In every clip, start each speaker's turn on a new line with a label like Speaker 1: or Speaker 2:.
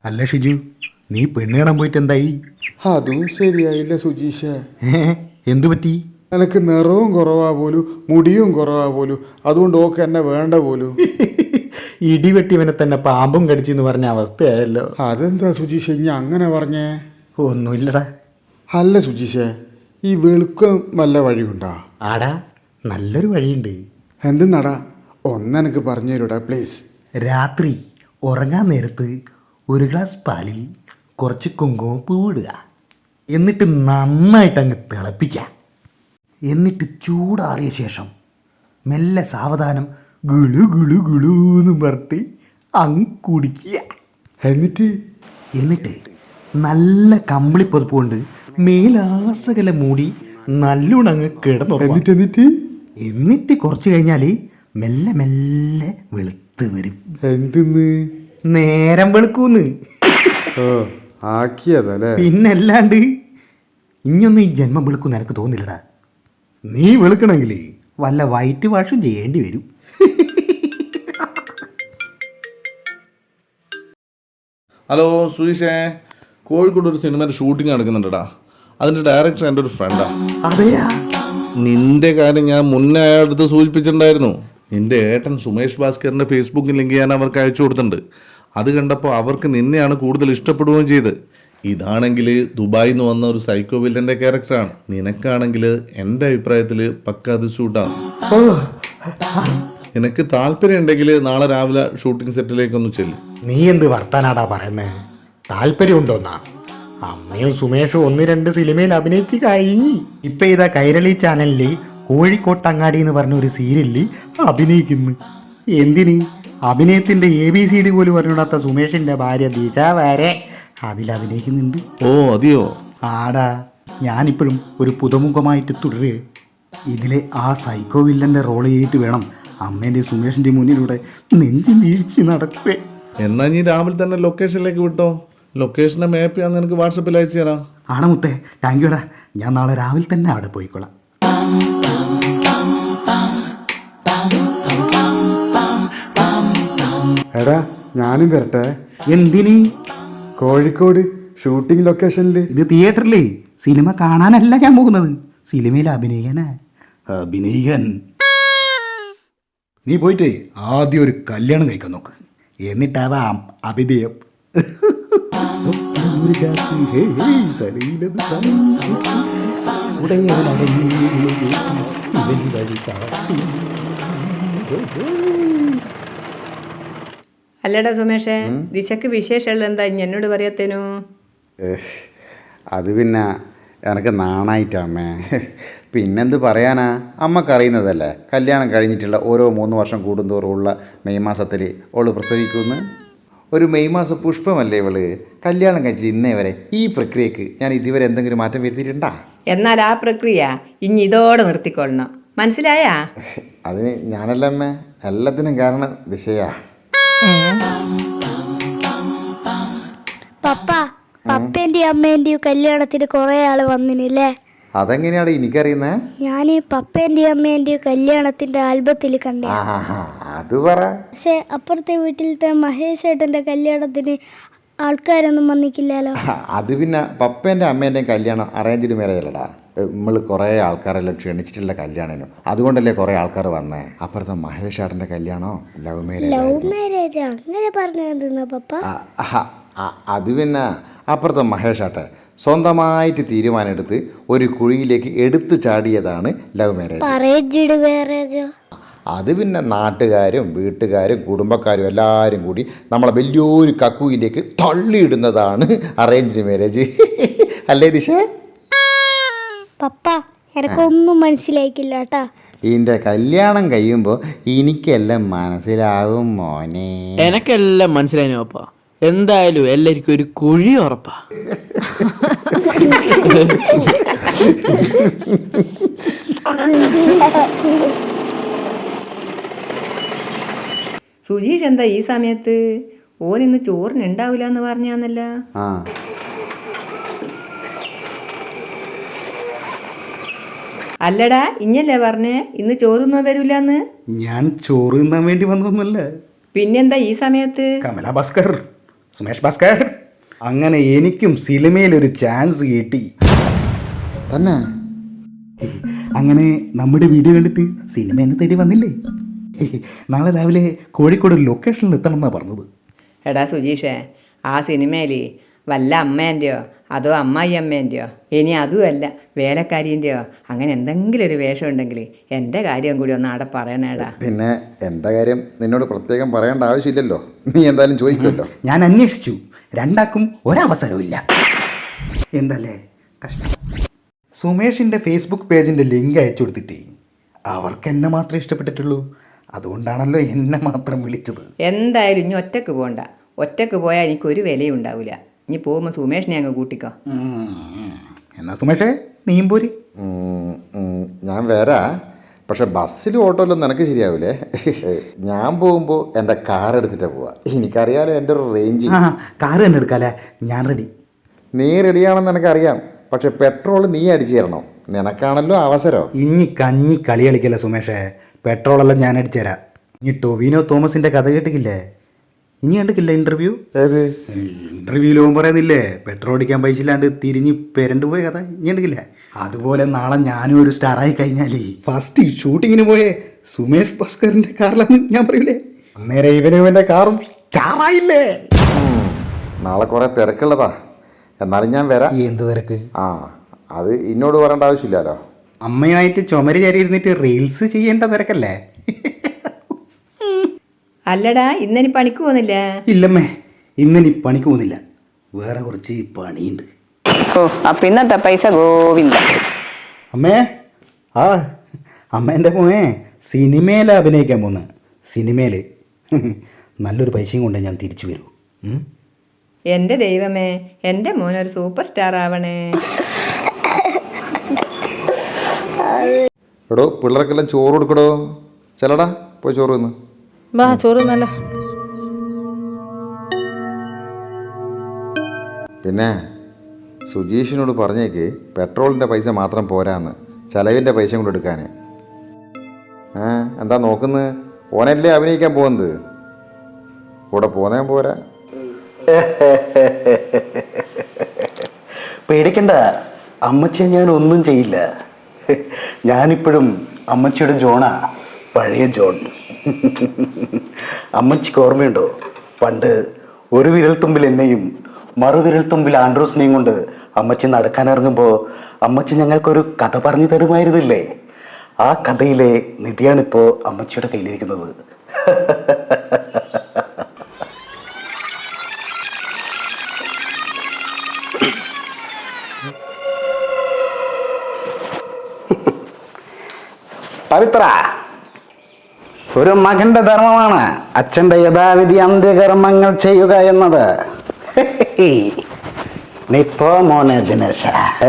Speaker 1: അല്ല ഷിജു, നീ പെണ്ണ് കാണാൻ പോയിട്ട് എന്തായി?
Speaker 2: അതും ശരിയായില്ല സുജീഷ.
Speaker 1: എന്തു പറ്റി?
Speaker 2: എനിക്ക് നിറവും കുറവാ പോലും, മുടിയും കുറവാ പോലും, അതുകൊണ്ട് ഓക്ക് എന്നെ വേണ്ട പോലും.
Speaker 1: ഇടിവെട്ടിവനെ തന്നെ പാമ്പും കടിച്ചെന്ന് പറഞ്ഞ അവസ്ഥയായല്ലോ.
Speaker 2: അതെന്താ സുജീഷ ഇനി അങ്ങനെ പറഞ്ഞേ?
Speaker 1: ഒന്നുമില്ലടാ.
Speaker 2: അല്ല സുജീഷ, ഈ വെളുക്കം വല്ല വഴിയുണ്ടാ?
Speaker 1: ആടാ, നല്ലൊരു വഴിയുണ്ട്.
Speaker 2: എന്തെന്നാടാ, ഒന്നെനിക്ക് പറഞ്ഞു തരൂടാ പ്ലീസ്.
Speaker 1: രാത്രി ഉറങ്ങാൻ നേരത്ത് ഒരു ഗ്ലാസ് പാലിൽ കുറച്ച് കുങ്കുമപ്പൂ ഇടുക. എന്നിട്ട് നന്നായിട്ട് അങ്ങ് തിളപ്പിക്കുക. എന്നിട്ട് ചൂടാറിയ ശേഷം മെല്ലെ സാവധാനം ഗുളു ഗുളു ഗുളു എന്ന് പറഞ്ഞിട്ട് അങ്ങ് കുടിക്കുക. എന്നിട്ട് നല്ല കമ്പിളിപ്പൊതുപ്പ് കൊണ്ട് മേലാസകല മൂടി നല്ലോണം അങ്ങ് കിടന്നുറങ്ങും. എന്നിട്ട് കുറച്ച് കഴിഞ്ഞാൽ മെല്ലെ മെല്ലെ വെളുത്ത് വരും.
Speaker 2: എന്തിന്ന്?
Speaker 1: നേരം വെളുക്കൂന്ന്.
Speaker 2: ആക്കിയതല്ലേ?
Speaker 1: പിന്നല്ലാണ്ട്. ഇനിയൊന്നും ഈ ജന്മം വെളുക്കൂന്ന് എനിക്ക് തോന്നില്ലടാ. നീ വെളുക്കണമെങ്കിൽ വല്ല വൈറ്റ് വാഷും ചെയ്യേണ്ടി വരും.
Speaker 3: ഹലോ സുജീഷേ, കോഴിക്കോട് ഒരു സിനിമയുടെ ഷൂട്ടിംഗ് നടക്കുന്നുണ്ടടാ. അതിൻ്റെ ഡയറക്ടർ എൻ്റെ ഒരു ഫ്രണ്ടാണ്.
Speaker 1: അതെയാ?
Speaker 3: നിന്റെ കാര്യം ഞാൻ മുന്നേ അയാളുടെ അടുത്ത് സൂചിപ്പിച്ചിട്ടുണ്ടായിരുന്നു. നിന്റെ ഏട്ടൻ സുമേഷ് ഭാസ്കറിൻ്റെ ഫേസ്ബുക്ക് ലിങ്ക് ഞാൻ അവർക്ക് അയച്ചു കൊടുത്തിട്ടുണ്ട്. അത് കണ്ടപ്പോൾ അവർക്ക് നിന്നെയാണ് കൂടുതൽ ഇഷ്ടപ്പെടുകയും ചെയ്ത്. ഇതാണെങ്കിൽ ദുബായിൽ നിന്ന് വന്ന ഒരു സൈക്കോ വില്ലൻ്റെ ക്യാരക്ടറാണ്. നിനക്കാണെങ്കിൽ എൻ്റെ അഭിപ്രായത്തിൽ പക്ക അത് ഷൂട്ടാണ്. നിനക്ക് താല്പര്യം ഉണ്ടെങ്കിൽ നാളെ രാവിലെ ഷൂട്ടിംഗ് സെറ്റിലേക്കൊന്ന് ചെല്ലും.
Speaker 1: നീ എന്ത് വർത്താനാടാ പറയുന്നേ? താല്പര്യമുണ്ടോന്നാ? അമ്മയും സുമേഷും 1-2 സിനിമയിൽ അഭിനയിച്ച് കഴിഞ്ഞു. ഇപ്പൊ ഇതാ കൈരളി ചാനലിൽ കോഴിക്കോട്ടങ്ങാടി എന്ന് പറഞ്ഞ ഒരു സീരിയലിൽ അഭിനയിക്കുന്നു. എന്തിന്? അഭിനയത്തിന്റെ ABCD പോലും പറഞ്ഞിടാത്ത സുമേഷിന്റെ ഭാര്യ ദിശ വരെ അതിൽ അഭിനയിക്കുന്നുണ്ട്.
Speaker 3: ഓ അതെയോ?
Speaker 1: ആടാ, ഞാനിപ്പോഴും ഒരു പുതുമുഖമായിട്ട് തുടരുക. ഇതിലെ ആ സൈക്കോ വില്ലന്റെ റോൾ ചെയ്തിട്ട് വേണം അമ്മേന്റെ സുമേഷിന്റെ മുന്നിലൂടെ നെഞ്ചു വീഴ്ച നടക്കേ.
Speaker 3: എന്നാ നീ രാവിലെ തന്നെ ലൊക്കേഷനിലേക്ക് വിട്ടോ. ലൊക്കേഷൻ്റെ മാപ്പ് ഞാൻ നിനക്ക് വാട്സപ്പിൽ അയച്ചു തരാം.
Speaker 1: ആണോ മുത്തേ? താങ്ക് യുടാ. ഞാൻ നാളെ രാവിലെ തന്നെ അവിടെ പോയിക്കോളാം.
Speaker 2: എടാ, ഞാനും വരട്ടെ.
Speaker 1: എന്തിന്?
Speaker 2: കോഴിക്കോട് ഷൂട്ടിംഗ് ലൊക്കേഷനിൽ.
Speaker 1: ഇത് തിയേറ്ററിലേ സിനിമ കാണാനല്ല ഞാൻ പോകുന്നത്, സിനിമയിൽ അഭിനയിക്കാനാ. അഭിനയിക്കാൻ നീ പോയിട്ട് ആദ്യം ഒരു കല്യാണം കഴിക്കാൻ നോക്ക്, എന്നിട്ടാവാം അഭിനയം.
Speaker 4: അല്ലടാ സുമേഷേ, ദിശക്ക് വിശേഷമുള്ള എന്താ ഇനി എന്നോട് പറയത്തേനു?
Speaker 5: അത് പിന്നെ എനിക്ക് നാണായിട്ടമ്മേ. പിന്നെന്ത് പറയാനാ, അമ്മക്കറിയുന്നതല്ലേ കല്യാണം കഴിഞ്ഞിട്ടുള്ള ഓരോ 3 വർഷം കൂടുന്തോറുമുള്ള മെയ് മാസത്തിൽ ഓള് പ്രസവിക്കുമെന്ന്. ഒരു മെയ് മാസ പുഷ്പമല്ലേ ഇവള്. കല്യാണം കഴിച്ചിട്ട് ഇന്നേ വരെ ഈ പ്രക്രിയക്ക് ഞാൻ ഇതുവരെ എന്തെങ്കിലും മാറ്റം വരുത്തിയിട്ടുണ്ടാ?
Speaker 4: എന്നാൽ ആ പ്രക്രിയ ഇനി ഇതോടെ നിർത്തിക്കൊള്ളണം, മനസ്സിലായാ?
Speaker 5: അതിന് ഞാനല്ല അമ്മേ, എല്ലാത്തിനും കാരണം ദിശയാ.
Speaker 6: പപ്പ, പപ്പേന്റെയും അമ്മേന്റെയും കല്യാണത്തിന് കുറെ ആള് വന്നിനില്ലേ?
Speaker 5: അതെങ്ങനെയാണ് എനിക്കറിയുന്നേ?
Speaker 6: ഞാൻ പപ്പേന്റെയും അമ്മേന്റെയും കല്യാണത്തിന്റെ ആൽബത്തിൽ കണ്ടേ.
Speaker 5: അത് പറ.
Speaker 6: പക്ഷെ അപ്പുറത്തെ വീട്ടിലത്തെ മഹേഷ് ഏട്ടന്റെ കല്യാണത്തിന് ആൾക്കാരൊന്നും വന്നിക്കില്ലല്ലോ.
Speaker 5: അത് പിന്നെ പപ്പേൻ്റെ അമ്മേൻ്റെയും കല്യാണം അറേഞ്ച്ഡ് മാരേജ് അല്ലടാ. നമ്മൾ കുറേ ആൾക്കാരെല്ലാം ക്ഷണിച്ചിട്ടുള്ള കല്യാണമല്ലോ, അതുകൊണ്ടല്ലേ കുറേ ആൾക്കാർ വന്നേ. അപ്പുറത്തെ മഹേഷ് ഏട്ടൻ്റെ കല്യാണോ ലവ്
Speaker 6: മാരേജ് അങ്ങനെ പറഞ്ഞാ പപ്പ?
Speaker 5: അത് പിന്നെ അപ്പുറത്തെ മഹേഷ് ഏട്ടൻ സ്വന്തമായിട്ട് തീരുമാനമെടുത്ത് ഒരു കുഴിയിലേക്ക് എടുത്തു ചാടിയതാണ് ലവ് മാരേജ്. അത് പിന്നെ നാട്ടുകാരും വീട്ടുകാരും കുടുംബക്കാരും എല്ലാവരും കൂടി നമ്മളെ വലിയൊരു കക്കുയിലേക്ക് തള്ളിയിടുന്നതാണ് അറേഞ്ച്ഡ് മാരേജ്. അല്ലേ ദിശ?
Speaker 6: പപ്പ, എനക്കൊന്നും മനസ്സിലായിക്കില്ല കേട്ടാ.
Speaker 5: ഇതിൻ്റെ കല്യാണം കഴിയുമ്പോൾ എനിക്കെല്ലാം മനസ്സിലാവും മോനെ.
Speaker 7: എനക്കെല്ലാം മനസ്സിലായി പപ്പ. എന്തായാലും എല്ലാവർക്കും ഒരു കുഴി ഉറപ്പാ.
Speaker 4: സുജീഷ് എന്താ ഈ സമയത്ത്? ഓൻ ഇന്ന് ചോറിന് ഉണ്ടാവില്ല എന്ന് പറഞ്ഞാന്നല്ല. അല്ലടാ, ഇഞ്ഞല്ലേ പറഞ്ഞേ ഇന്ന് ചോറൊന്നും വരൂലെന്ന്?
Speaker 1: ഞാൻ ചോറ് തിന്നാൻ വേണ്ടി വന്നതൊന്നുമല്ല.
Speaker 4: പിന്നെന്താ ഈ സമയത്ത്?
Speaker 1: കമല ഭാസ്കർ സുമേഷ് ഭാസ്കർ, അങ്ങനെ എനിക്കും സിനിമയിലൊരു ചാൻസ് കിട്ടി.
Speaker 5: തന്നെ
Speaker 1: അങ്ങനെ നമ്മുടെ വീഡിയോ കണ്ടിട്ട് സിനിമ എന്നെ തേടി വന്നില്ലേ? നാളെ രാവിലെ കോഴിക്കോട് ലൊക്കേഷനിൽ എത്തണം എന്നാണ് പറഞ്ഞത്.
Speaker 4: എടാ സുജീഷേ, ആ സിനിമയിൽ വല്ല അമ്മേൻ്റെയോ അതോ അമ്മായി അമ്മേൻ്റെയോ ഇനി അതുമല്ല വേലക്കാരിൻ്റെയോ അങ്ങനെ എന്തെങ്കിലും ഒരു വേഷം ഉണ്ടെങ്കിൽ എൻ്റെ കാര്യം കൂടി ഒന്ന് അവിടെ പറയണേടാ.
Speaker 5: പിന്നെ എൻ്റെ കാര്യം നിന്നോട് പ്രത്യേകം പറയേണ്ട ആവശ്യമില്ലല്ലോ, നീ എന്തായാലും ചോദിക്കുമല്ലോ.
Speaker 1: ഞാൻ അന്വേഷിച്ചു, രണ്ടാക്കും ഒരവസരവും ഇല്ല. എന്തല്ലേ കഷ്ടം. സുമേഷിൻ്റെ ഫേസ്ബുക്ക് പേജിൻ്റെ ലിങ്ക് അയച്ചു കൊടുത്തിട്ടേ അവർക്ക് എന്നെ മാത്രമേ ഇഷ്ടപ്പെട്ടിട്ടുള്ളൂ. അതുകൊണ്ടാണല്ലോ എന്നെ മാത്രം വിളിച്ചത്.
Speaker 4: എന്തായാലും ഇനി ഒറ്റക്ക് പോകണ്ട. ഒറ്റക്ക് പോയാൽ എനിക്കൊരു വിലയും ഉണ്ടാവില്ല. ഇനി പോകുമ്പോൾ സുമേഷിനെ അങ്ങ് കൂട്ടിക്കോ.
Speaker 1: എന്നാ സുമേഷേ നീയും പോരി.
Speaker 5: ഞാൻ വരാ, പക്ഷെ ബസ്സിലും ഓട്ടോയിലും നിനക്ക് ശരിയാവൂലേ. ഞാൻ പോകുമ്പോൾ എൻ്റെ കാർ എടുത്തിട്ടാണ് പോവാ. എനിക്കറിയാലോ എൻ്റെ ഒരു റേഞ്ച്.
Speaker 1: കാറ് തന്നെ എടുക്കാല്ലേ, ഞാൻ റെഡി.
Speaker 5: നീ റെഡിയാണെന്ന് എനിക്കറിയാം, പക്ഷെ പെട്രോൾ നീ അടിച്ചു തരണം. നിനക്കാണല്ലോ അവസരം.
Speaker 1: ഇനി കഞ്ഞി കളി കളിക്കല്ലേ സുമേഷേ, പെട്രോളെല്ലാം ഞാൻ അടിച്ചു തരാം. ഇനി ടൊവിനോ തോമസിൻ്റെ കഥ കേട്ടിട്ടില്ലേ? ഇനി കണ്ടിട്ടില്ല ഇൻ്റർവ്യൂ?
Speaker 5: ഏത്
Speaker 1: ഇൻ്റർവ്യൂവിൽ പോകുമ്പോൾ പറയുന്നില്ലേ പെട്രോൾ അടിക്കാൻ പൈസ ഇല്ലാണ്ട് തിരിഞ്ഞ് പെരണ്ട് പോയ കഥ ഇനി കണ്ടിട്ടില്ലേ? അതുപോലെ നാളെ ഞാനും ഒരു സ്റ്റാറായി കഴിഞ്ഞാലേ ഫസ്റ്റ് ഷൂട്ടിങ്ങിന് പോയേ സുമേഷ് ഭാസ്കറിൻ്റെ കാറിലാണ് ഞാൻ പറയൂലേ, അന്നേരം ഇവൻ്റെ കാറും സ്റ്റാറായില്ലേ.
Speaker 5: നാളെ കുറേ തിരക്കുള്ളതാ, എന്നാലും ഞാൻ വരാം.
Speaker 1: എന്ത് തിരക്ക്?
Speaker 5: ആ, അത് എന്നോട് പറയേണ്ട ആവശ്യമില്ലല്ലോ.
Speaker 1: അമ്മയായിട്ട് ചുമര് ചാരി ഇരുന്നിട്ട് റീൽസ് ചെയ്യേണ്ട തിരക്കല്ലേ?
Speaker 4: അല്ലടാ, ഇന്നിനി പണിക്ക് പോകുന്നില്ല?
Speaker 1: ഇല്ലമ്മേ, ഇന്നിനി പണിക്ക് പോകുന്നില്ല, വേറെ കുറച്ച് പണിയുണ്ട്.
Speaker 4: ഓ, അപ്പം ഇന്നത്തെ പൈസ ഗോവിന്ദ.
Speaker 1: അമ്മേ, ആ അമ്മേൻ്റെ മോനെ സിനിമയിൽ അഭിനയിക്കാൻ പോന്ന്. സിനിമയിൽ നല്ലൊരു പൈസയും കൊണ്ട് ഞാൻ തിരിച്ചു വരൂ.
Speaker 4: എൻ്റെ ദൈവമേ, എൻ്റെ മോനൊരു സൂപ്പർ സ്റ്റാർ ആവണേ.
Speaker 5: എടോ, പിള്ളേർക്കെല്ലാം ചോറ് കൊടുക്കടോ. ചെല്ലടാ, പോയി ചോറ് തിന്ന്.
Speaker 8: വാ ചോറ് നല്ല.
Speaker 5: പിന്നെ സുജീഷിനോട് പറഞ്ഞേക്ക് പെട്രോളിൻ്റെ പൈസ മാത്രം പോരാന്ന്, ചെലവിൻ്റെ പൈസ കൊണ്ട് എടുക്കാൻ. എന്താ നോക്കുന്നത്? ഓനല്ലേ അഭിനയിക്കാൻ പോകുന്നത്, കൂടെ പോന്നേ പോരാ.
Speaker 9: പേടിക്കണ്ട, അമ്മച്ചിയെ ഞാൻ ഒന്നും ചെയ്യില്ല. ഞാനിപ്പോഴും അമ്മച്ചിയുടെ ജോണാ, പഴയ ജോൺ. അമ്മച്ചിക്ക് ഓർമ്മയുണ്ടോ, പണ്ട് ഒരു വിരൽത്തുമ്പിൽ എന്നെയും മറുവിരൽ തുമ്പിൽ ആൻഡ്രോസിനെയും കൊണ്ട് അമ്മച്ചി നടക്കാനിറങ്ങുമ്പോൾ അമ്മച്ചി ഞങ്ങൾക്കൊരു കഥ പറഞ്ഞു തരുമായിരുന്നില്ലേ? ആ കഥയിലെ നിധിയാണിപ്പോൾ അമ്മച്ചിയുടെ കയ്യിലിരിക്കുന്നത്. പവിത്ര, ഒരു മകന്റെ ധർമ്മമാണ് അച്ഛൻ്റെ യഥാവിധി അന്ത്യകർമ്മങ്ങൾ ചെയ്യുക എന്നത്. നിപ്പോ മോനെ ദിനേശ,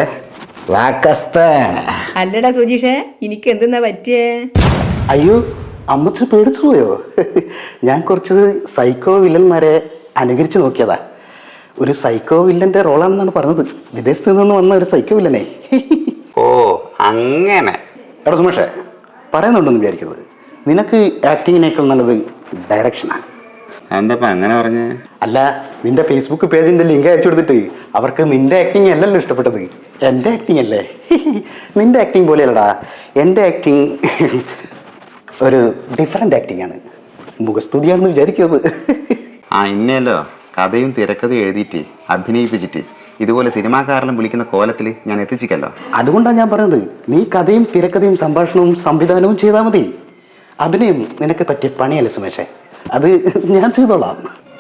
Speaker 4: അല്ലടാ സുജീഷേ, എനിക്ക് എന്തെന്നാ പറ്റിയേ?
Speaker 9: അയ്യോ, അമ്മച്ചി പേടിച്ചു പോയോ? ഞാൻ കുറച്ച് സൈക്കോ വില്ലന്മാരെ അനുകരിച്ച് നോക്കിയതാ. ഒരു സൈക്കോ വില്ലന്റെ റോളാണെന്നാണ് പറഞ്ഞത്, വിദേശത്ത് നിന്ന് വന്ന ഒരു സൈക്കോ വില്ലനെ. ഓ അങ്ങനെ. എടാ സുമേഷേ, പറയുന്നുണ്ടെന്ന് വിചാരിക്കുന്നത്, നിനക്ക് ആക്ടിങ്ങിനേക്കാൾ നല്ലത് ഡയറക്ഷനാണ്.
Speaker 5: എന്താ അങ്ങനെ പറഞ്ഞേ?
Speaker 9: അല്ല, നിന്റെ ഫേസ്ബുക്ക് പേജിന്റെ ലിങ്ക് അയച്ചു കൊടുത്തിട്ട് അവർക്ക് നിന്റെ ആക്ടിങ് അല്ലല്ലോ ഇഷ്ടപ്പെട്ടത്, എൻ്റെ ആക്ടിങ് അല്ലേ. നിന്റെ ആക്ടിങ് പോലെയല്ലടാ, എൻ്റെ ആക്ടിങ് ഒരു ഡിഫറെൻ്റ് ആക്ടിങ് ആണ്, മുഖസ്തുതിയാണെന്ന് വിചാരിക്കുന്നത്.
Speaker 5: ഇന്നല്ലോ കഥയും തിരക്കഥയും എഴുതിയിട്ട് അഭിനയിപ്പിച്ചിട്ട് ഇതുപോലെ സിനിമാക്കാരെല്ലാം വിളിക്കുന്ന കോലത്തിൽ ഞാൻ എത്തിച്ചിക്കല്ലോ.
Speaker 9: അതുകൊണ്ടാണ് ഞാൻ പറയുന്നത്, നീ കഥയും തിരക്കഥയും സംഭാഷണവും സംവിധാനവും ചെയ്താൽ മതി. അഭിനയം നിനക്ക് പറ്റിയ പണിയല്ല സുമേഷേ, അത് ഞാൻ ചെയ്തോളാം.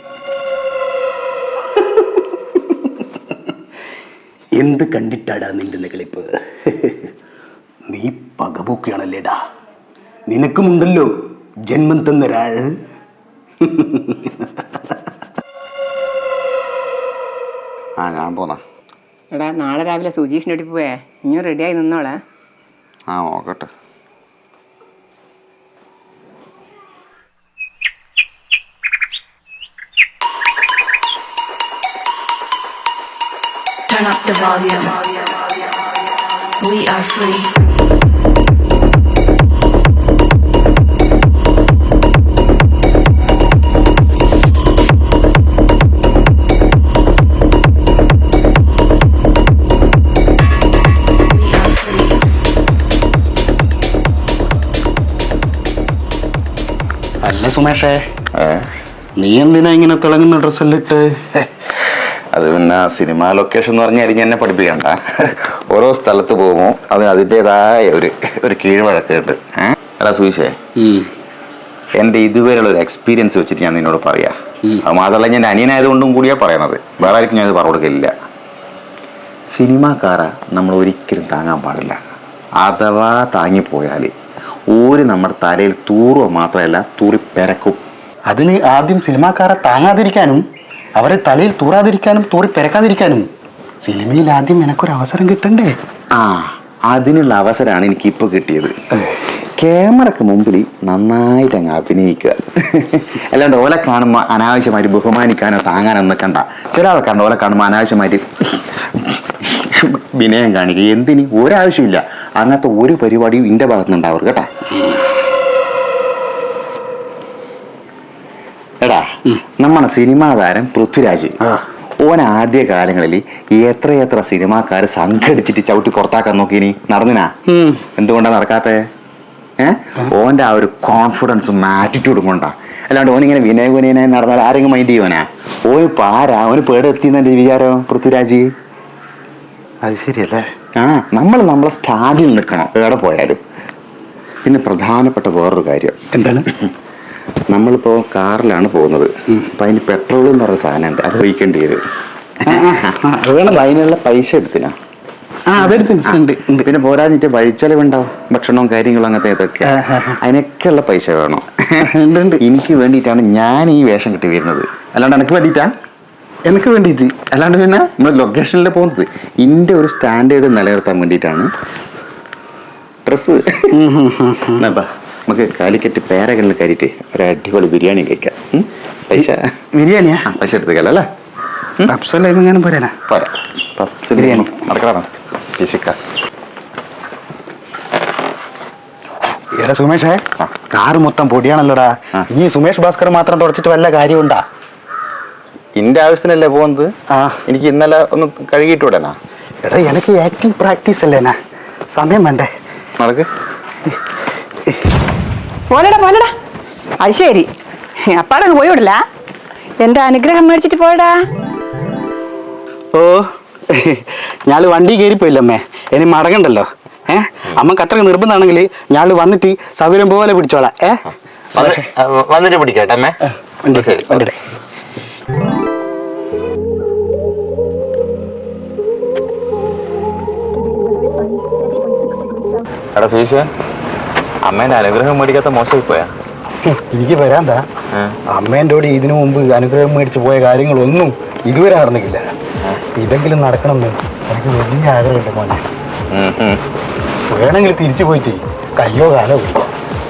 Speaker 9: എന്ത് കണ്ടിട്ടാടാ നിന്റെ നികളിപ്പ്? നീ പകപോക്കുകയാണല്ലേടാ, നിനക്കുമുണ്ടല്ലോ ജന്മം തന്നൊരാൾ.
Speaker 5: ഞാൻ പോന്നാ.
Speaker 4: എടാ, നാളെ രാവിലെ സുജീഷിനോട്ട് പോയേ, ഇനി റെഡിയായി നിന്നോളെ.
Speaker 5: നോക്കട്ടെ.
Speaker 10: Turn up the volume. We are free.
Speaker 9: അല്ല സുമേഷേ, നീ എന്തിനാ ഇങ്ങനെ തിളങ്ങുന്ന ഡ്രസ്സെല്ലാം ഇട്ട്?
Speaker 5: അത് പിന്നെ സിനിമ ലൊക്കേഷൻ എന്ന് പറഞ്ഞാൽ എനിക്ക് എന്നെ പഠിപ്പിക്കണ്ട. ഓരോ സ്ഥലത്ത് പോകുമ്പോൾ അതിൻ്റെതായ ഒരു കീഴ്വഴക്കുണ്ട്. എടാ സുവിശേ, എൻ്റെ ഇതുവരെയുള്ള ഒരു എക്സ്പീരിയൻസ് വെച്ചിട്ട് ഞാൻ നിന്നോട് പറയാം. അത് മാത്രമല്ല ഞാൻ അനിയനായതുകൊണ്ടും കൂടിയാ പറയണത്, വേറെ ആർക്കും ഞാൻ ഇത് പറഞ്ഞു കൊടുക്കില്ല. സിനിമാക്കാരെ നമ്മൾ ഒരിക്കലും താങ്ങാൻ പാടില്ല. അഥവാ താങ്ങിപ്പോയാൽ ഊര് നമ്മുടെ തലയിൽ തൂറുക മാത്രമല്ല തൂറി പെരക്കും.
Speaker 9: അതിന് ആദ്യം സിനിമാക്കാരെ താങ്ങാതിരിക്കാനും അവരെ തലയിൽ തൂറാതിരിക്കാനും തൂറി പെരക്കാതിരിക്കാനും സിനിമയിൽ ആദ്യം എനക്കൊരു അവസരം കിട്ടണ്ടേ?
Speaker 5: അതിനുള്ള അവസരമാണ് എനിക്കിപ്പോൾ കിട്ടിയത്. ക്യാമറക്ക് മുമ്പിൽ നന്നായിട്ട് അങ്ങ് അഭിനയിക്കുക. അല്ലാണ്ട് ഓലെ കാണുമ്പോൾ അനാവശ്യമായിട്ട് ബഹുമാനിക്കാനോ താങ്ങാനോ നിൽക്കണ്ട. ചില ആൾക്കാരുണ്ട് ഓലെ കാണുമ്പോൾ അനാവശ്യമായിട്ട് വിനയം കാണിക്കുക. എന്തിന്? ഒരാവശ്യമില്ല. അങ്ങനത്തെ ഒരു പരിപാടിയും എൻ്റെ ഭാഗത്തുനിന്നുണ്ടാവും കേട്ടാ. എടാ, നമ്മുടെ സിനിമാ താരം പൃഥ്വിരാജ് ഓൻ ആദ്യ കാലങ്ങളിൽ എത്ര സിനിമാക്കാര് സംഘടിച്ചിട്ട് ചവിട്ടി പുറത്താക്കാൻ നോക്കിനി, നടന്നിനാ? എന്തുകൊണ്ടാ നടക്കാത്തേ? ഓൻ്റെ ആ ഒരു കോൺഫിഡൻസും ആറ്റിറ്റ്യൂഡും കൊണ്ടാ. അല്ലാണ്ട് ഓനിങ്ങനെ വിനയനായി നടന്നാൽ ആരെങ്കിലും മൈൻഡ് ചെയ്യുവാനാ? ഓന് പാരാ, ഓന് പേടെത്തിയെന്നെ വിചാരം പൃഥ്വിരാജ്.
Speaker 9: അത് ശരിയല്ലേ?
Speaker 5: നമ്മളെ സ്റ്റാൻഡിൽ നിൽക്കണം എവിടെ പോയാലും. പിന്നെ പ്രധാനപ്പെട്ട വേറൊരു കാര്യം
Speaker 9: എന്താണ്?
Speaker 5: നമ്മളിപ്പോൾ കാറിലാണ് പോകുന്നത്. അപ്പം അതിന് പെട്രോൾ എന്ന് പറഞ്ഞ സാധനമുണ്ട്, അത് ഒഴിക്കേണ്ടി വരും. അതിനുള്ള പൈസ എടുത്തിനാ? പിന്നെ പോരാഞ്ഞിട്ട് വഴിച്ചെലവുണ്ടാവും, ഭക്ഷണവും കാര്യങ്ങളും അങ്ങനത്തെ ഇതൊക്കെ. അതിനൊക്കെയുള്ള പൈസ വേണം. എനിക്ക് വേണ്ടിയിട്ടാണ് ഞാൻ ഈ വേഷം കിട്ടി വരുന്നത്, അല്ലാണ്ട് എനിക്ക് വേണ്ടിയിട്ടാ?
Speaker 9: എനിക്ക് വേണ്ടിയിട്ട്
Speaker 5: അല്ലാണ്ട് പിന്നെ നമ്മൾ ലൊക്കേഷനിൽ പോകുന്നത് എൻ്റെ ഒരു സ്റ്റാൻഡേർഡ് നിലനിർത്താൻ വേണ്ടിയിട്ടാണ് ഡ്രസ്സ്. നമുക്ക് കാലിക്കറ്റ് പേരകളിൽ കയറിയിട്ട് ഒരു അടിപൊളി ബിരിയാണി കഴിക്കാം. പൈസ
Speaker 9: ബിരിയാണിയാ?
Speaker 5: പൈസ എടുത്തുക്കല്ലേ?
Speaker 9: പപ്സെല്ലാം പോരാ?
Speaker 5: പോരാ, പപ്സ് ബിരിയാണി നടക്കണം.
Speaker 9: എടാ സുമേഷേ, കാറ് മൊത്തം പൊടിയാണല്ലോടാ. ഈ സുമേഷ് ഭാസ്കർ മാത്രം തുടച്ചിട്ട് വല്ല കാര്യമുണ്ടാ?
Speaker 5: എന്റെ ആവശ്യത്തിനല്ലേ പോകുന്നത്. എനിക്ക് ഇന്നലെ ഒന്ന് കഴുകിയിട്ടൂടനാ?
Speaker 9: എടാ, എനിക്ക് ആക്ടിങ് പ്രാക്ടീസ് അല്ലേനാ, സമയം വേണ്ടേ?
Speaker 5: നടക്ക്.
Speaker 4: പോലടാ അത് ശരി, അപ്പാടങ്ങ് പോയി വിടില്ല. എന്റെ അനുഗ്രഹം മേടിച്ചിട്ട് പോയടാ.
Speaker 9: ഓ, ഞാള് വണ്ടി കയറിപ്പോയില്ലമ്മേ, ഇനി മടങ്ങണ്ടല്ലോ. അമ്മ അത്രയ്ക്ക് നിർബന്ധമാണെങ്കിൽ ഞാള് വന്നിട്ട് സൗകര്യം പോലെ പിടിച്ചോളാം.
Speaker 5: വന്നിട്ട് പിടിക്കട്ടെ അമ്മേ.
Speaker 9: ശരി, വണ്ടി.
Speaker 5: എടാ സുശീഷ, അമ്മേന്റെ അനുഗ്രഹം മേടിക്കാത്ത മോശമായി പോയാ?
Speaker 9: എനിക്ക് വരാന്താ. അമ്മേൻ്റെ കൂടെ ഇതിനു മുമ്പ് അനുഗ്രഹം മേടിച്ച് പോയ കാര്യങ്ങളൊന്നും ഇതുവരെ നടന്നിട്ടില്ല. ഇതെങ്കിലും നടക്കണമെന്ന് എനിക്ക് വലിയ ആഗ്രഹമുണ്ട് മോനെ. വേണമെങ്കിൽ തിരിച്ചു പോയിട്ട് കയ്യോ കാലോ പിടിക്കാം.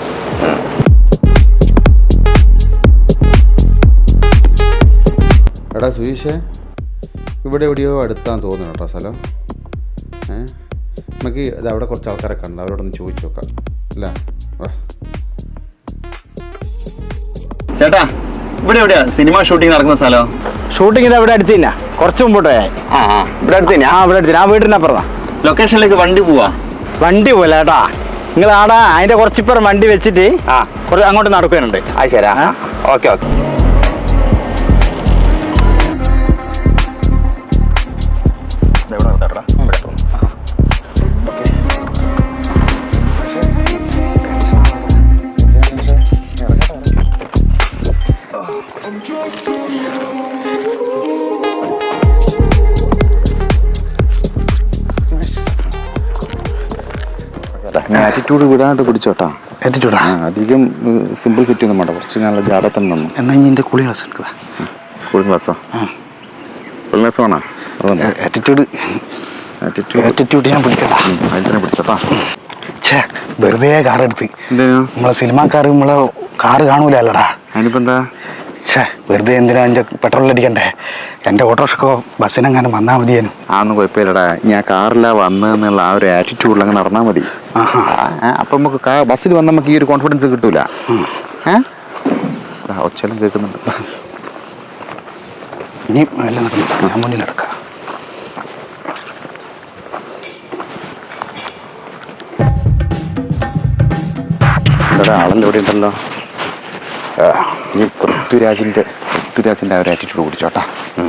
Speaker 5: എടാ സുശീഷേ, ഇവിടെ എവിടെയോ അടുത്താന്ന് തോന്നുന്നു കേട്ടോ സ്ഥലം. നമുക്ക് ഇത് അവിടെ കുറച്ച് ആൾക്കാരൊക്കെ ഉണ്ട്, അവരോടൊന്ന് ചോദിച്ചു നോക്കാം അല്ലേ? ചേട്ടാ, ഇവിടെ എവിടെയാ സിനിമ ഷൂട്ടിംഗ് നടക്കുന്ന സ്ഥലം?
Speaker 9: ഷൂട്ടിംഗ് ഇത് അവിടെ അടുത്ത് തന്നെ, കുറച്ച് മുമ്പോട്ട് പോയാൽ.
Speaker 5: ഇവിടെ അടുത്ത് തന്നെയാ?
Speaker 9: ഇവിടെ അടുത്ത്. ആ വീടിൻ്റെ അപ്പുറത്താ.
Speaker 5: ലൊക്കേഷനിലേക്ക് വണ്ടി പോവാ?
Speaker 9: വണ്ടി പോലെ ഏട്ടാ, നിങ്ങൾ ആടാ അതിന്റെ കുറച്ചിപ്പുറം വണ്ടി വെച്ചിട്ട് കുറച്ച് അങ്ങോട്ട് നടക്കാനുണ്ട്.
Speaker 5: അത് ശരി, ഓക്കെ ഓക്കെ. ആറ്റിറ്റ്യൂഡ് വിടാണ്ട് പിടിച്ചോട്ടാ.
Speaker 9: ആറ്റിറ്റ്യൂഡാ?
Speaker 5: അധികം സിമ്പിൾ സെറ്റ് ഒന്നും വേണ്ട, കുറച്ച് നല്ല ജാടത്തന്നെ തന്നു.
Speaker 9: എന്നാ ഇനി എൻ്റെ കൂളി ക്ലാസ് എടുക്കുക.
Speaker 5: കൂളിംഗ് ക്ലാസ്സാ? കൂളിംഗ് ക്ലാസ് വേണോ?
Speaker 9: ആറ്റിറ്റ്യൂഡ് ഞാൻ പിടിക്കട്ടാ.
Speaker 5: അതിൽ തന്നെ പിടിച്ചോട്ടാ.
Speaker 9: ഛേ, വെറുതെ കാറെടുത്ത് നമ്മളെ സിനിമാക്കാർ നമ്മളെ കാറ് കാണൂലല്ലടാ.
Speaker 5: അതിനിപ്പോ എന്താ?
Speaker 9: ഛേ, വെറുതെ എന്തിനാ എൻ്റെ പെട്രോൾ അടിക്കണ്ടേ? എൻ്റെ ഓട്ടോറിക്ഷക്കോ ബസ്സിനെങ്ങാനും വന്നാൽ മതിയേനും.
Speaker 5: അതൊന്നും കുഴപ്പമില്ലടാ, ഞാൻ കാറിലാ വന്നതെന്നുള്ള ആ ഒരു ആറ്റിറ്റ്യൂഡിൽ അങ്ങ് നടന്നാൽ മതി. അപ്പം നമുക്ക് ബസ്സിൽ വന്നാൽ നമുക്ക് ഈ ഒരു കോൺഫിഡൻസ് കിട്ടൂല. ഒച്ചെല്ലാം കേൾക്കുന്നുണ്ട്.
Speaker 9: ഇനി എല്ലാം നടന്നു, ഞാൻ മുന്നിലെടുക്കാം.
Speaker 5: ആളെല്ലാം ഇവിടെ ഉണ്ടല്ലോ. നീ പൃഥ്വിരാജിൻ്റെ ആ ഒരു ആറ്റിറ്റ്യൂഡ് കുടിച്ചോട്ടാ.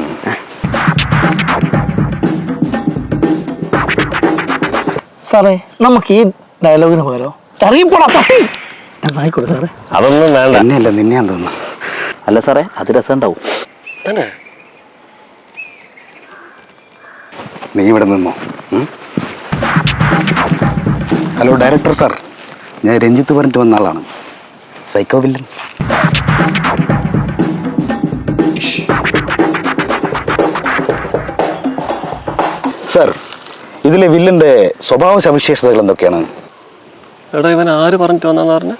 Speaker 7: സാറേ നമുക്ക് ഈ ഡയലോഗിന് പോരോ അറിയപ്പോടാ പട്ടി എന്നായിക്കോട്ടെ സാറേ.
Speaker 9: അതൊന്നും വേണ്ട. എന്നെയല്ല നിന്നെയാന്ന് തോന്നുന്നു. അല്ല സാറേ, അത് രസമുണ്ടാവും. നീ ഇവിടെ നിന്നോ. ഹലോ ഡയറക്ടർ സാർ, ഞാൻ രഞ്ജിത്ത് പറഞ്ഞിട്ട് വന്ന ആളാണ്, സൈക്കോ വില്ലൻ. സാർ, ഇതിലെ വില്ലന്റെ സ്വഭാവ സവിശേഷതകൾ എന്തൊക്കെയാണ്?
Speaker 8: എടാ, ഇവൻ ആര് പറഞ്ഞിട്ട് വന്നാന്ന് പറഞ്ഞ?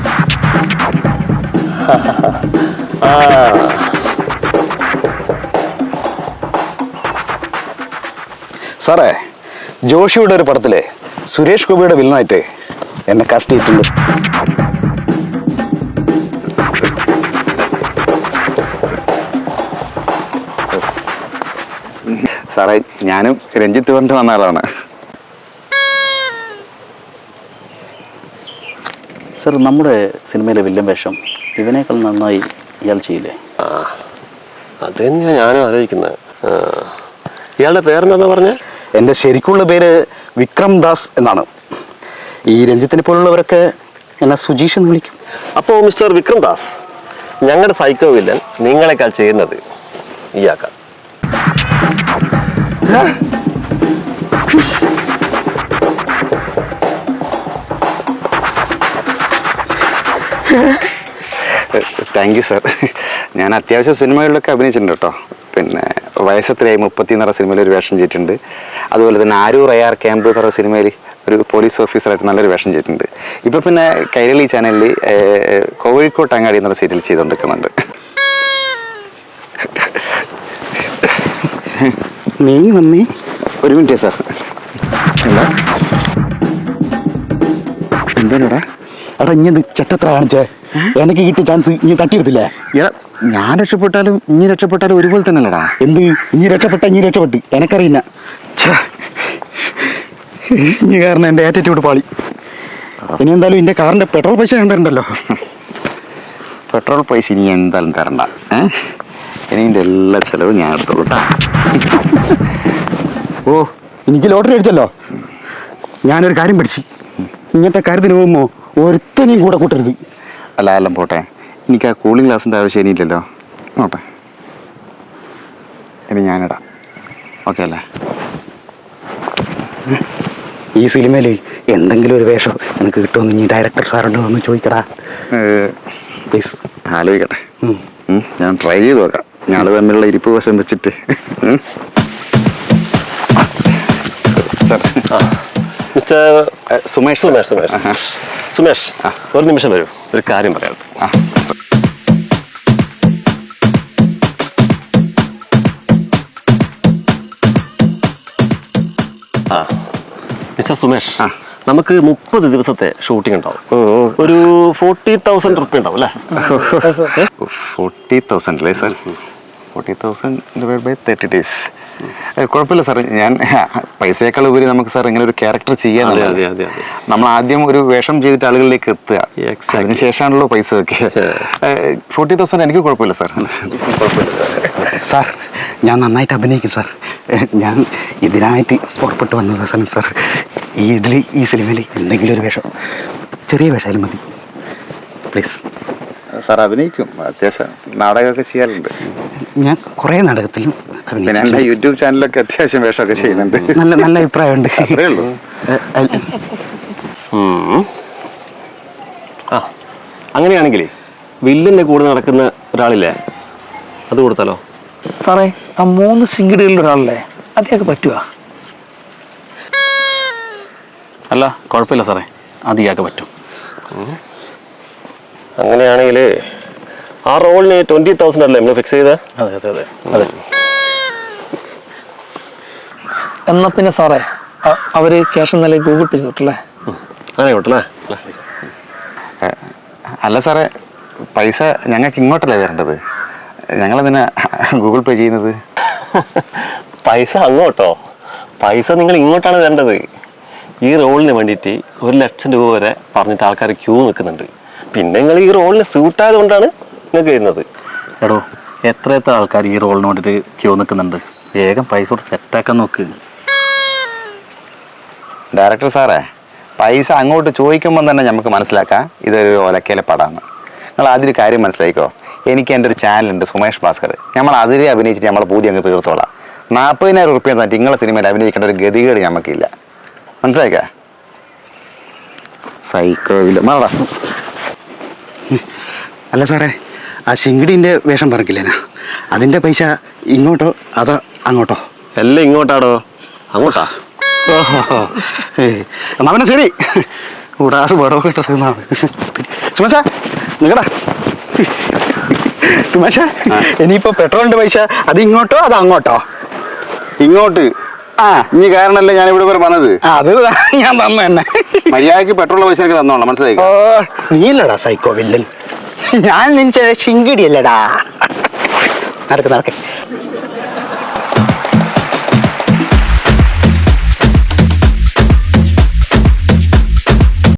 Speaker 9: സാറേ, ജോഷിയുടെ ഒരു പടത്തിലെ സുരേഷ് ഗോപിയുടെ വില്ലനായിട്ട് എന്നെ കാസ്റ്റ് ചെയ്തിട്ടുണ്ട്.
Speaker 5: സാറേ, ഞാനും രഞ്ജിത്ത് പറഞ്ഞിട്ട് വന്ന ആളാണ്.
Speaker 9: സാർ, നമ്മുടെ സിനിമയിലെ വില്ലൻ വേഷം ഇവനേക്കാൾ നന്നായി ഇയാൾ ചെയ്യില്ലേ?
Speaker 8: അത് തന്നെയാണ് ഞാനും ആലോചിക്കുന്നത്. ഇയാളുടെ പേരെന്താ പറഞ്ഞ?
Speaker 9: എൻ്റെ ശരിക്കുള്ള പേര് വിക്രം ദാസ് എന്നാണ്. ഈ രഞ്ജിത്തിനെ പോലുള്ളവരൊക്കെ എന്നെ സുജീഷ് എന്ന് വിളിക്കും.
Speaker 8: അപ്പോൾ മിസ്റ്റർ വിക്രം ദാസ്, ഞങ്ങളുടെ സൈക്കോ വില്ലൻ നിങ്ങളെക്കാൾ ചെയ്യുന്നത് ഇയാൾക്കാണ്.
Speaker 5: Thank you sir. ഞാൻ അത്യാവശ്യം സിനിമകളിലൊക്കെ അഭിനയിച്ചിട്ടുണ്ട് കേട്ടോ. പിന്നെ വയസ്സത്രയായി 30 എന്ന് പറഞ്ഞ സിനിമയിൽ ഒരു വേഷം ചെയ്തിട്ടുണ്ട്. അതുപോലെ തന്നെ ആരൂർ AR ക്യാമ്പ് എന്ന് പറഞ്ഞ സിനിമയിൽ ഒരു പോലീസ് ഓഫീസറായിട്ട് നല്ലൊരു വേഷം ചെയ്തിട്ടുണ്ട്. ഇപ്പോൾ പിന്നെ കൈരളി ചാനലിൽ കോഴിക്കോട്ട് അങ്ങാടി എന്നുള്ള സീരിയൽ ചെയ്തുകൊണ്ടിരിക്കുന്നുണ്ട്.
Speaker 9: നീ വന്നേ.
Speaker 5: ഒരു മിനിറ്റ് സാർ. എന്താ എന്താടാ?
Speaker 9: എടാ, ഇനി ചെറ്റത്ര കാണിച്ചേ. എനിക്ക് കിട്ടിയ ചാൻസ് ഇനി തട്ടിയെടുത്തില്ലേ?
Speaker 5: എടാ, ഞാൻ രക്ഷപ്പെട്ടാലും ഇനി രക്ഷപ്പെട്ടാലും ഒരുപോലെ തന്നെ അല്ലടാ.
Speaker 9: എന്ത് ഇനി രക്ഷപ്പെട്ട് എനക്കറിയില്ല. ഇനി കാരണം എൻ്റെ ആറ്റിറ്റ്യൂഡ് പാളി. ഇനി എന്തായാലും എൻ്റെ കാറിൻ്റെ പെട്രോൾ പൈസ ഞാൻ തരണ്ടല്ലോ.
Speaker 5: പെട്രോൾ പൈസ ഇനി എന്തായാലും തരണ്ട. ഇനി ഇതിൻ്റെ എല്ലാ ചിലവും ഞാൻ എടുത്തോളൂ കേട്ടോ.
Speaker 9: ഓ, എനിക്ക് ലോട്ടറി അടിച്ചല്ലോ. ഞാനൊരു കാര്യം പഠിച്ചു. ഇങ്ങനത്തെ കാര്യത്തിന് പോകുമ്പോൾ ഒരുത്തനെയും കൂടെ കൂട്ടരുത്.
Speaker 5: അല്ല എല്ലാം പോട്ടെ, എനിക്ക് ആ കൂളിംഗ് ഗ്ലാസിൻ്റെ ആവശ്യം ഇനിയില്ലല്ലോ. നോട്ടെ, ഇനി ഞാനിടാം. ഓക്കെ അല്ലേ?
Speaker 9: ഈ സിനിമയിൽ എന്തെങ്കിലും ഒരു വേഷം എനിക്ക് കിട്ടുമെന്ന് ഇനി ഡയറക്ടർ സാറുണ്ടോ എന്ന് ചോദിക്കടാ പ്ലീസ്.
Speaker 5: ആലോചിക്കട്ടെ, ഞാൻ ട്രൈ ചെയ്ത് നോക്കാം. ഞങ്ങൾ തമ്മിലുള്ള ഇരിപ്പ് വശം വെച്ചിട്ട്. Sir,
Speaker 8: mister
Speaker 5: Sumesh.
Speaker 8: സുമേഷ്, ഒരു നിമിഷം വരൂ, ഒരു കാര്യം പറയാം. മിസ്റ്റർ സുമേഷ്, നമുക്ക് 30 ദിവസത്തെ ഷൂട്ടിംഗ് ഉണ്ടാവും. ഒരു 40,000 റുപ്യ ഉണ്ടാവും അല്ലേ?
Speaker 5: 40,000 അല്ലേ സാർ? 40,000 ഡിവൈഡ് ബൈ 30 days. കുഴപ്പമില്ല സാർ. ഞാൻ പൈസയേക്കാൾ ഉപരി നമുക്ക് സാർ ഇങ്ങനെ ഒരു ക്യാരക്ടർ ചെയ്യാൻ നമ്മൾ ആദ്യം ഒരു വേഷം ചെയ്തിട്ട് ആളുകളിലേക്ക് എത്തുക. അതിന് ശേഷമാണല്ലോ പൈസ ഒക്കെ. 40,000 എനിക്ക് കുഴപ്പമില്ല സാർ. കുഴപ്പമില്ല
Speaker 9: സാർ, ഞാൻ നന്നായിട്ട് അഭിനയിക്കും സാർ. ഞാൻ ഇതിനായിട്ട് പുറപ്പെട്ടു വന്നത് സാർ. ഈ സിനിമയിൽ എന്തെങ്കിലും ഒരു വേഷം, ചെറിയ വേഷമായാലും മതി പ്ലീസ്.
Speaker 5: സാർ അഭിനയിക്കും, അത്യാവശ്യം നാടകമൊക്കെ ചെയ്യാറുണ്ട്.
Speaker 9: ഞാൻ കുറേ നാടകത്തിലും
Speaker 5: പിന്നെ എൻ്റെ യൂട്യൂബ് ചാനലൊക്കെ അത്യാവശ്യം വേഷമൊക്കെ ചെയ്യുന്നുണ്ട്.
Speaker 9: നല്ല അഭിപ്രായമുണ്ട്.
Speaker 5: അത്രേ ഉള്ളൂ.
Speaker 8: അങ്ങനെയാണെങ്കിൽ വില്ലിൻ്റെ കൂടെ നടക്കുന്ന ഒരാളില്ലേ, അത് കൊടുത്താലോ?
Speaker 7: സാറേ, ആ 3 സിംഗിടുകളിൽ ഒരാളല്ലേ, അതൊക്കെ പറ്റുക?
Speaker 9: അല്ല, കുഴപ്പമില്ല സാറേ, അത് ഇയാൾക്ക് പറ്റും.
Speaker 8: അങ്ങനെയാണെങ്കിൽ ആ റോളിന് 20,000 അല്ലേ നമ്മൾ ഫിക്സ് ചെയ്തത്?
Speaker 9: അതെ.
Speaker 7: എന്നാൽ പിന്നെ സാറേ, അവർ ക്യാഷ് എന്നാലും ഗൂഗിൾ പേ ചെയ്തിട്ടല്ലേ?
Speaker 8: അങ്ങനെ കൊട്ടല്ലേ?
Speaker 5: അല്ല സാറേ, പൈസ ഞങ്ങൾക്ക് ഇങ്ങോട്ടല്ലേ തരേണ്ടത്? ഞങ്ങളെന്തിനാ ഗൂഗിൾ പേ ചെയ്യുന്നത്?
Speaker 8: പൈസ അങ്ങോട്ടോ? പൈസ നിങ്ങൾ ഇങ്ങോട്ടാണ് തരേണ്ടത്. ഈ റോളിന് വേണ്ടിയിട്ട് 1 ലക്ഷം രൂപ വരെ പറഞ്ഞിട്ട് ആൾക്കാർ ക്യൂ നിൽക്കുന്നുണ്ട്. പിന്നെ നിങ്ങൾ ഈ റോളിന് സ്യൂട്ടായത് കൊണ്ടാണ് നിങ്ങൾക്ക് വരുന്നത്.
Speaker 9: എടോ എത്ര ആൾക്കാർ ഈ റോളിന് വേണ്ടിയിട്ട് ക്യൂ നിൽക്കുന്നുണ്ട്. വേഗം പൈസ കൊടുത്ത് സെറ്റാക്കാൻ നോക്ക്.
Speaker 5: ഡയറക്ടർ സാറേ, പൈസ അങ്ങോട്ട് ചോദിക്കുമ്പോൾ തന്നെ നമുക്ക് മനസ്സിലാക്കാം ഇതൊരു ഒലക്കയിലെ പടമാണ്. നിങ്ങൾ അതിൽ കാര്യം മനസ്സിലാക്കിക്കോ. എനിക്ക് എൻ്റെ ഒരു ചാനലുണ്ട്, സുമേഷ് ഭാസ്കർ. നമ്മൾ അതിൽ അഭിനയിച്ചിട്ട് നമ്മളെ പൂതി അങ്ങ് തീർത്തോളാം. 40,000 റുപ്യ തന്നെ നിങ്ങളെ സിനിമയിൽ അഭിനയിക്കേണ്ട ഒരു ഗതികേട് നമുക്കില്ല. മനസ്സിലാക്കാം? സൈക്കോ ഇല്ല മാറാ.
Speaker 9: അല്ല സാറേ, ആ ശിങ്കിടീൻ്റെ വേഷം പറഞ്ഞില്ലേ, അതിൻ്റെ പൈസ ഇങ്ങോട്ടോ അതോ അങ്ങോട്ടോ?
Speaker 8: എല്ലാം ഇങ്ങോട്ടാടോ. അങ്ങോട്ടാ?
Speaker 9: എന്നാ പിന്നെ ശരി. ഉടാസ് പടമൊക്കെ ഇട്ടതാണ്. സുമേഷ നിങ്ങടാ. സുമേഷ, ഇനിയിപ്പോ പെട്രോളിന്റെ പൈസ അത് ഇങ്ങോട്ടോ അത് അങ്ങോട്ടോ?
Speaker 5: ഇങ്ങോട്ട്. ഇനി കാരണമല്ലേ ഞാൻ ഇവിടെ വരെ പറഞ്ഞത്.
Speaker 9: അത് ഞാൻ തന്നു തന്നെ.
Speaker 5: മര്യാദക്ക് പെട്രോൾ പൈസ എനിക്ക് തന്നോളാം. മനസ്സിലായി?
Speaker 9: നീയല്ലടാ സൈക്കോ വില്ലൻ, ഞാൻ നിന്റെ ശിങ്കിടിയല്ലടാ. നടക്ക് നടക്ക്.